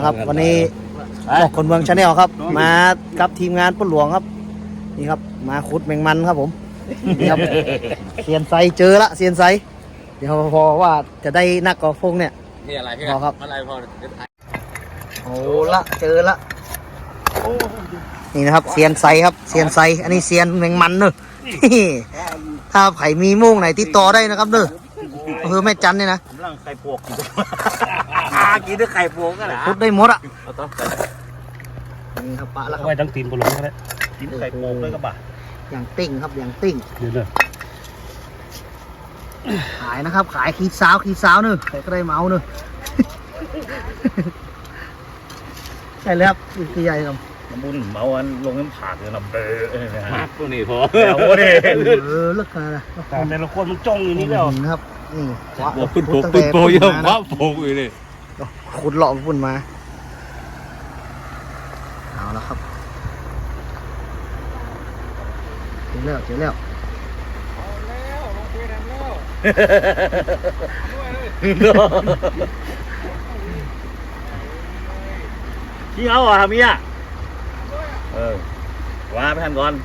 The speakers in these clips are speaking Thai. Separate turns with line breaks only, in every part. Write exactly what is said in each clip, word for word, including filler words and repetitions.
ครับวันนี้บอกคนเมืองชาแนลครับมากับทีมงานปล้นหลวงครับนี่ครับมาขุดแมงมันครับผมนี่ครับเซียนไซเจอละเซียนไซเดี๋ยวพอว่าจะได้นักกอล์ฟพงเนี่ย
นี่อะไรพี่
พอครับ
อะไรพอ
โอ้ละเจอละนี่นะครับเซียนไซครับเซียนไซอันนี้เซียนแมงมันเนอะถ้าไผ่มีโม่งไหนติดต่อได้นะครับเนอะอำเภอแม่จันเนี่ยนะ
กำลังไข่ปวกกินกินด้วยไข่ปวกกันเหรอ
ขุดได้หมดอ่ะ
เอาต่อ
นี่ครับปะแล้วครับ
ไว้ตั้งตีนบนหลงก็ได้
กินไข่ปวกด้วยก็บ่า
อย่างติ้งครับอย่างติ้ง
เดี๋ยวเด้อ
ขายนะครับขายขีดสาวขีดสาวเนอะใครก็ได้เมาเนอะ ใช่แล้วครับคือใหญ่ครับ
น้ำบุญเมาอันลงน้ำผากเลยนะเบอร์นะฮะ
ตัวนี้พอ
เอาดิ
เออเลิกกันนะ
แต่แต่ละคนมันจ้องอยู่นี่แล้ว
นะครับนี่
ปวกขึ้นปวกขึ้นโปเยอะมากปวกอยู่เลย
ขุดหลอกฝุ่นมาเอาแล้วครับเจอแล้วเจอแล้ว
ขี้เอาอ่ะเมียเออว่าไปทันก่อน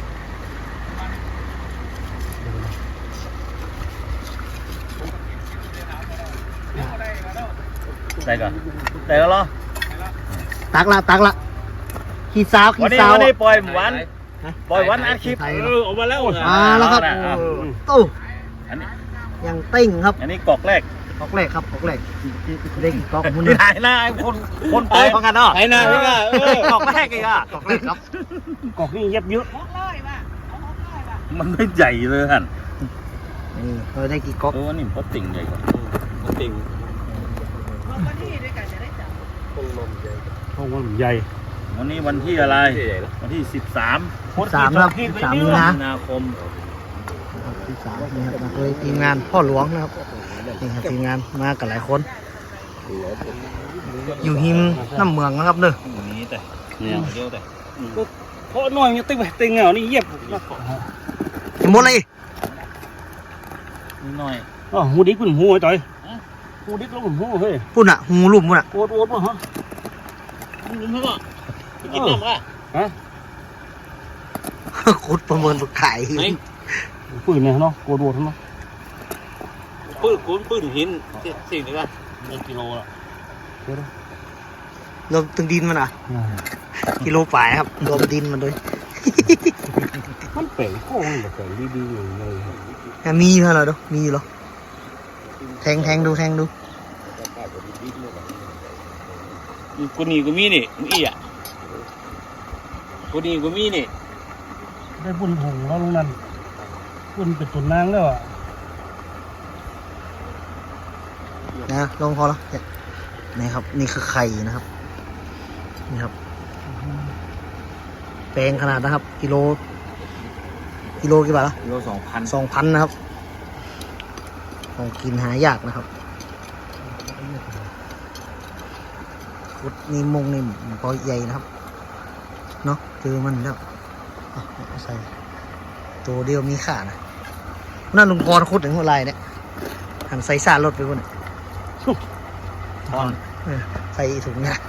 ได้ก่อนได้แล้วเหรอ
ตักละตักละขีดสาวขี
วัน
ด
นี้
สาว
วันนี้ปล่อยวันปล่อยวันอัดคลิป
ไทย
เออออกมาแล้ว
มาแล้วครับ
เอา
โอ้
อันนี้
ยังติ้งครับ
อันนี้กอกแรก
กอกแรกครับกอกแรกเด็กกอกมุน
ที่ไหนนะไอ้คนคนปล่อยพังกันเนาะ
ไหนนะพี่ว่าเออก
อกแรกอีกอ่ะ
กอกแรกครับ
กอกนี่เย็บเยอะ
มันไม่ใหญ่เลยฮั่น
นี่เราได้กี่กอก
เออนี่พอติ่งใหญ่กว่าพอติ่ง
ห้องมันใหญ่
วันนี้วันที่อะไรวันที่สิบสาม
สามครับสามมีนา
มีนาคม
ที่สามนี่ครับมาโดยทีมงานพ่อหลวงนะครับนี่ครับทีมงานมากันหลายคน อยู่หิมน้ำเมืองนะครับเนอะ
วันนี้แต่เนี่ยเดียวแต่
เพราะน้อยยังติ้งไปติ้งเหรอนี่เย็บ
เห็นหมดเลย
นิดหน่อย
อ๋อหูดิกเป็นหูไอ้ต่อยหูดิกแล้วเป็นหูเฮ้ย
ปุ่นอ่ะหูลุ่มปุ่นอ่ะ
โอดโอดป่ะฮะ
มึงเพิ่งอ่ะกินน้ำอ่ะ
ฮะ
ขุดประเมินประขาย
ปืนเนี่ยเนาะโอดโอดเนาะ
ปืนกุ้นปืนหินสิ่งนี้ป่ะ
หนึ่งกิโลละ
รวมตึงดินมันอ่ะกิโลป่ายครับรวมดินมันด้วย
มันเป๋งโค้งแบบเป๋งดีๆอย่างเลย
มีเท่าไหร่ดูมีอยู่หรอแทงแทงดูแทงดู
กูนี่กูมีนี่มึงอีอ่ะกูนี่กูมีนี่
ได้บุญหงแล้วลุงนั่นบุญเป็นตุนนางแล้วอ่ะ
นะลงพอแล้วนี่ครับนี่คือไข่นะครับนี่ครับแปลงขนาดนะครับกิโลกิโลกี่บาทละ
กิโลสองพัน
สองพันนะครับของกินหายากนะครับขุดนี่มงนี่มันพอใหญ่นะครับเนาะเจอมันแล้วเอาเอาใส่ตัวเดียวมีขานะนั่นลุงพรขุดถึงหัวไหล่เนี่ยหันใส่ซารถไปบนเนี่ย
ทอน
เออใส่ถุงเนี่ย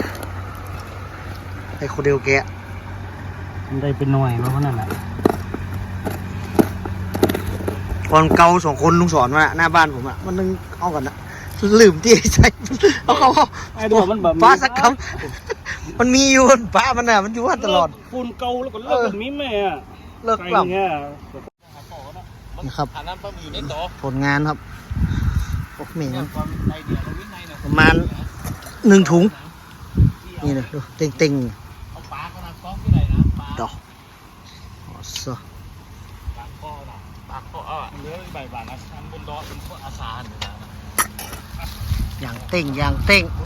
ใส่โคเดลแกะ
มันได้เป็นหน่วยมาเพราะนั่นแหละ
ก่อนเกาสองคนลุงสอนมาหน้าบ้านผมอ่ะมันนึงเอากันนะลืมที่ใส่เอาเขา
ไอ้ตัวมันแบบ
ป้าสักคำมันมีอยู่ป้ามันน่ะมันอยู่ว่าตลอด
ปูนเก่าแล้วก็เลิกแบบนี้แม่อะ
เลิกกลับ
เงี้ย
นะครับ
ฐานน้ำปลาหมึกอยู่ในโต๊ะ
ผลงานครับโอ้เมน
ความในเดียวเราวิ่งในเนี่ย
ประมาณหนึ่งถุงนี่นะดูเต็งเต็ง
เอาปลาขนาดกล้องที่ไหนนะปลา
ๆดอกอ๋อซะ
ปลาข้อน่ะปลาข้ออ่ะเนื้อใบบานนะชั้นบนดอเป็นพวกอาสาเนี่ยนะ
อย่างเต็งอย่างเต็ง
โอ้